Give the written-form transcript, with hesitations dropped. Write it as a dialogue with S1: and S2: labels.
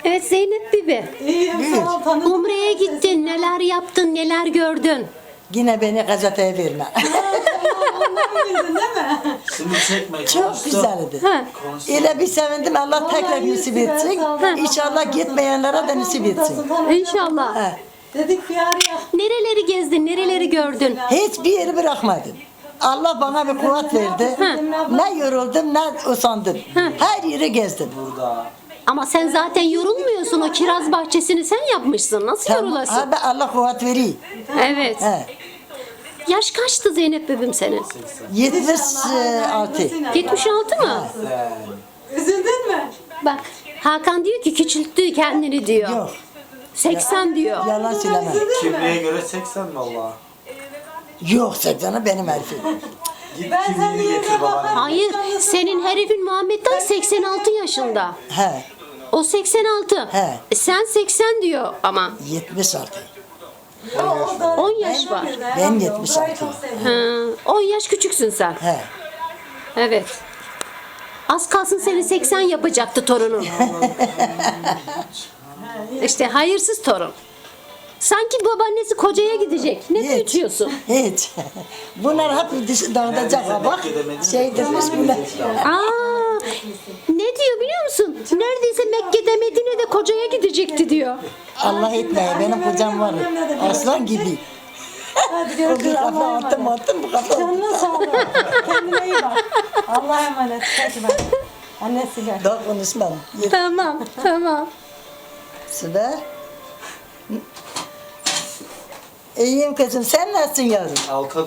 S1: Evet Zeynep Bibi.
S2: İyiyim sağ ol tanıdım.
S1: Umre'ye gittin, neler yaptın, neler gördün?
S3: Yine beni gazeteye verme.
S2: Bildin değil mi?
S4: Şimdi çekme.
S3: Çok güzeldi.
S1: Ha.
S3: Öyle bir sevindim Allah tekrar nasip etsin. İnşallah gitmeyenlere de nasip etsin.
S1: İnşallah.
S3: He.
S2: Dedik bir araya.
S1: Nereleri gezdin, nereleri gördün?
S3: Hiçbir yeri bırakmadım. Allah bana bir kuvvet verdi. Ne yoruldum ne usandım. Her yeri gezdim.
S4: Burada.
S1: Ama sen zaten yorulmuyorsun. O kiraz bahçesini sen yapmışsın. Nasıl yorulasın?
S3: Abi Allah kuvvet veriyor.
S1: Evet.
S3: He.
S1: Yaş kaçtı Zeynep Bibim senin?
S3: 76.
S1: 76 mı?
S2: Üzüldün mü?
S1: Bak Hakan diyor ki küçülttü kendini diyor.
S3: Yok.
S1: 80 diyor.
S3: Yalan söyleme.
S4: Kimliğe göre 80 valla.
S3: Yok 80'i benim herifim.
S4: Git
S2: Ben senin
S4: kimliğini
S2: yerine
S4: getir babaanne.
S2: bakarım.
S1: Hayır, senin herifin Muhammed Dayı 86 yaşında.
S3: He.
S1: O 86.
S3: He.
S1: Sen 80 diyor ama.
S3: 76.
S1: 10 yaş var.
S3: Ben 76.
S1: Ha, 10 yaş küçüksün sen.
S3: He.
S1: Evet. Az kalsın seni 80 yapacaktı torunun. İşte hayırsız torun. Sanki babaannesi kocaya gidecek. Ne
S3: Hiç.
S1: büyütüyorsun?
S3: Hiç. Bunlar hep dağıtacak bak. Şey demiş bunlar.
S1: Aa, ne diyor biliyor musun? Neredeyse Mekke'de Medine'de kocaya gidecekti diyor.
S3: Allah etmeye benim kocam var. Aslan gibi.
S2: Hadi
S3: O
S2: görüşürüz.
S3: bir kafa
S2: Allah'a
S3: attım
S2: emanet.
S3: attım bu kafa.
S2: Canına sağlık. Kendine iyi bak. Allah'a emanet. Hadi bak. Annesiyle.
S3: Daha konuşmam.
S1: Tamam, tamam.
S3: Sıra. İyiyim kızım sen nasılsın yavrum?
S4: Alta